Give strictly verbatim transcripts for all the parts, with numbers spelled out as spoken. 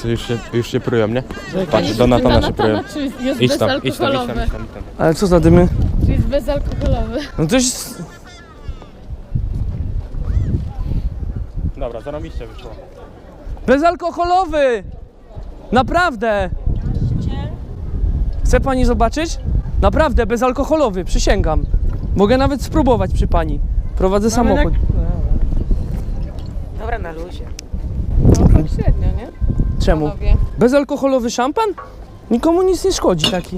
chłopcy już się, już się prują, nie? Patrz, do Natana się prują. Czy jest Idź tam, idź tam, idź tam, bezalkoholowy? idź tam, idź tam. Ale co za dymy? Czy jest bezalkoholowy? No to jest... Dobra, zarobiście wyszło. Bezalkoholowy! Naprawdę! Chce pani zobaczyć? Naprawdę, bezalkoholowy, przysięgam. Mogę nawet spróbować przy pani. Prowadzę samochód. Dobra, na luzie. No tak średnio, nie? Czemu? Panowie. Bezalkoholowy szampan? Nikomu nic nie szkodzi taki.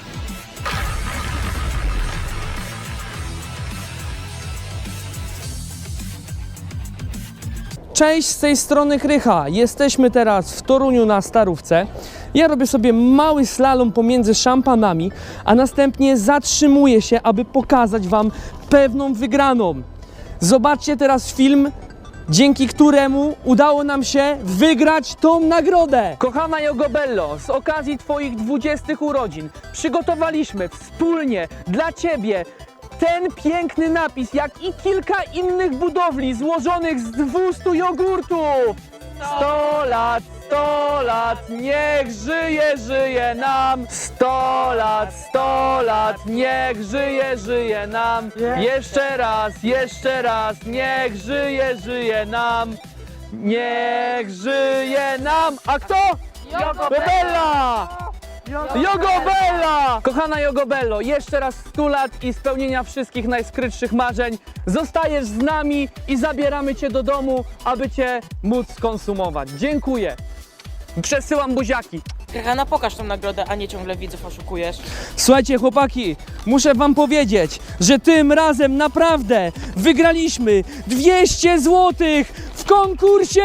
Cześć, z tej strony Krycha. Jesteśmy teraz w Toruniu na Starówce. Ja robię sobie mały slalom pomiędzy szampanami, a następnie zatrzymuję się, aby pokazać wam pewną wygraną. Zobaczcie teraz film, dzięki któremu udało nam się wygrać tą nagrodę. Kochana Jogobello, z okazji twoich dwudziestych urodzin przygotowaliśmy wspólnie dla ciebie ten piękny napis, jak i kilka innych budowli złożonych z dwustu jogurtów. sto lat, sto lat, niech żyje, żyje nam. sto lat, sto lat, niech żyje, żyje nam. Jeszcze raz, jeszcze raz, niech żyje, żyje nam. Niech żyje nam. A kto? Jogobella! Jogobella! Kochana Jogobello, jeszcze raz stu lat i spełnienia wszystkich najskrytszych marzeń. Zostajesz z nami i zabieramy cię do domu, aby cię móc skonsumować. Dziękuję. Przesyłam buziaki. Krycha, pokaż tą nagrodę, a nie ciągle widzów oszukujesz. Słuchajcie chłopaki, muszę wam powiedzieć, że tym razem naprawdę wygraliśmy dwieście złotych w konkursie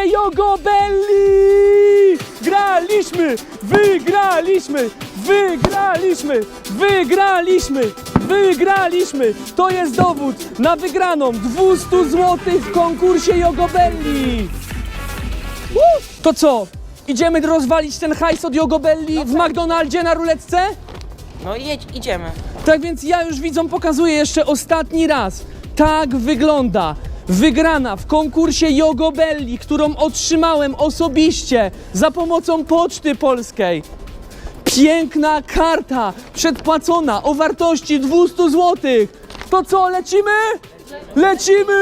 Jogobelli! Graliśmy, wygraliśmy, wygraliśmy, wygraliśmy, wygraliśmy! To jest dowód na wygraną dwieście złotych w konkursie Jogobelli! Uh, to co? Idziemy rozwalić ten hajs od Jogobelli w McDonaldzie na ruletce? No i jedź, idziemy. Tak więc ja już widzom pokazuję jeszcze ostatni raz. Tak wygląda wygrana w konkursie Jogobelli, którą otrzymałem osobiście za pomocą Poczty Polskiej. Piękna karta przedpłacona o wartości dwieście złotych. To co, lecimy? Lecimy!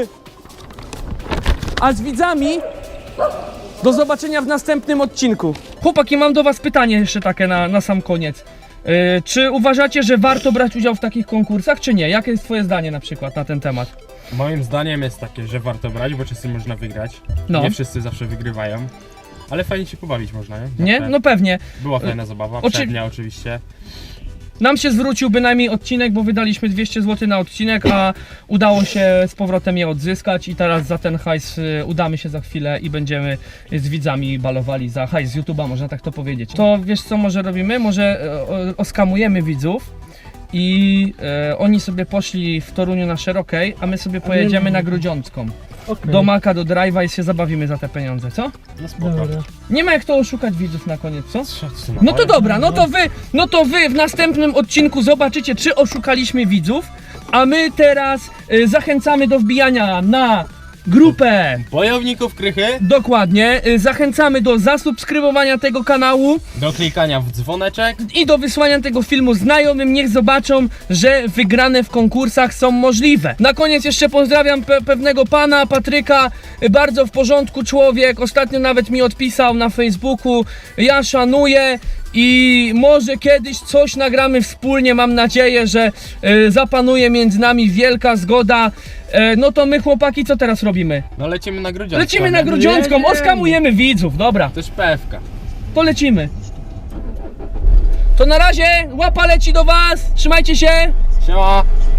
A z widzami do zobaczenia w następnym odcinku. Chłopaki, mam do was pytanie jeszcze takie na, na sam koniec. Yy, czy uważacie, że warto brać udział w takich konkursach, czy nie? Jakie jest twoje zdanie na przykład na ten temat? Moim zdaniem jest takie, że warto brać, bo czasem można wygrać. No. Nie wszyscy zawsze wygrywają. Ale fajnie się pobawić można, nie? Nie? Zawsze No pewnie. Była fajna zabawa, Oczy- przednia oczywiście. Nam się zwrócił bynajmniej odcinek, bo wydaliśmy dwieście złotych na odcinek, a udało się z powrotem je odzyskać i teraz za ten hajs y, udamy się za chwilę i będziemy z widzami balowali za hajs z YouTube'a, można tak to powiedzieć. To wiesz co może robimy? Może e, o, oskamujemy widzów i e, oni sobie poszli w Toruniu na Szerokiej, a my sobie pojedziemy na Grudziącką. Okay. Do Maka, do Drive'a i się zabawimy za te pieniądze, co? No spoko. Dobra. Nie ma jak to oszukać widzów na koniec, co? Co ty No to nawajasz? dobra, no to wy, no to wy w następnym odcinku zobaczycie, czy oszukaliśmy widzów, a my teraz y, zachęcamy do wbijania na grupę. Bojowników Krychy, Dokładnie, y, zachęcamy do zasubskrybowania tego kanału do klikania w dzwoneczek. i do wysłania tego filmu znajomym, niech zobaczą, że wygrane w konkursach są możliwe. Na koniec jeszcze pozdrawiam pe pewnego pana, Patryka, y, bardzo w porządku człowiek, ostatnio nawet mi odpisał na Facebooku, ja szanuję i może kiedyś coś nagramy wspólnie, mam nadzieję, że y, zapanuje między nami wielka zgoda. E, no to my chłopaki co teraz robimy? No lecimy na Grudziącką. Lecimy na Grudziącką, Jedziemy. oskamujemy widzów, dobra, Też P F K. to lecimy. To na razie, łapa leci do was, trzymajcie się. Siema.